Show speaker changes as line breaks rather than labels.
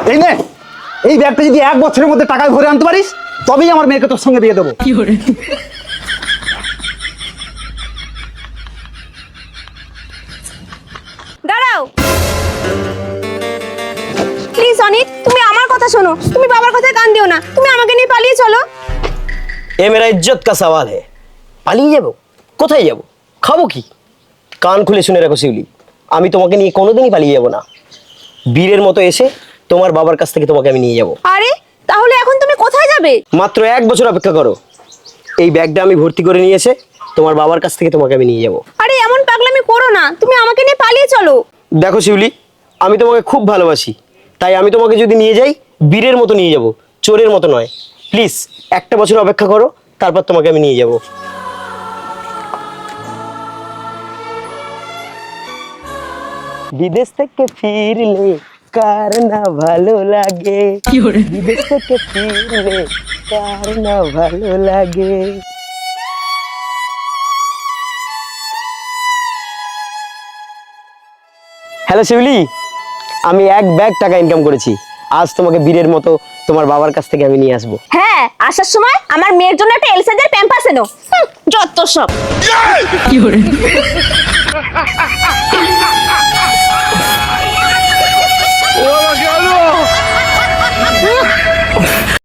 এই নে, এই ব্যাগটা যদি 1 বছরের মধ্যে টাকায় ভরে আনতে পারিস তবেই আমার মেয়েকে তোর সঙ্গে বিয়ে দেবো।
দাঁড়াও প্লিজ অনিক, তুমি আমার কথা শোনো, তুমি বাবার কথায় কান দিও না, তুমি আমাকে নিয়ে পালিয়ে চলো।
এ মেরা ইজ্জত কা সওয়াল है। পালিয়ে যাব? কোথায় যাব? খাবো কি? কান খুলে শুনে রাখো শিউলি, আমি তোমাকে নিয়ে কোনোদিনই পালিয়ে যাব না। বীরের মতো এসে তোমার বাবার কাছ থেকে তোমাকে আমি নিয়ে যাব।
আরে তাহলে এখন তুমি কোথায় যাবে?
মাত্র 1 বছর অপেক্ষা করো, এই ব্যাগটা আমি ভর্তি করে নিয়ে এসে তোমার বাবার কাছ থেকে তোমাকে আমি নিয়ে যাব।
আরে এমন পাগলামি করো না, তুমি আমাকে নিয়ে পালিয়ে চলো।
দেখো শিউলি, আমি তোমাকে খুব ভালোবাসি, তাই আমি তোমাকে যদি নিয়ে যাই বীরের মতো নিয়ে যাব, চোরের মতো নয়। প্লিজ 1টা বছর অপেক্ষা করো, তারপর তোমাকে আমি নিয়ে যাব। বিদেশ থেকে ফিরলে কার না ভালো লাগে, বিদেশ থেকে ফিরলে কার না ভালো লাগে। হ্যালো শিউলি, আমি 1 ব্যাগ টাকা ইনকাম করেছি, আজ তোমাকে বীরের মতো তোমার বাবার কাছ থেকে আমি নিয়ে আসবো।
হ্যাঁ, আসার সময় আমার মেয়ের জন্য একটা এল সাইজের প্যাম্পাস এনো। যত সব।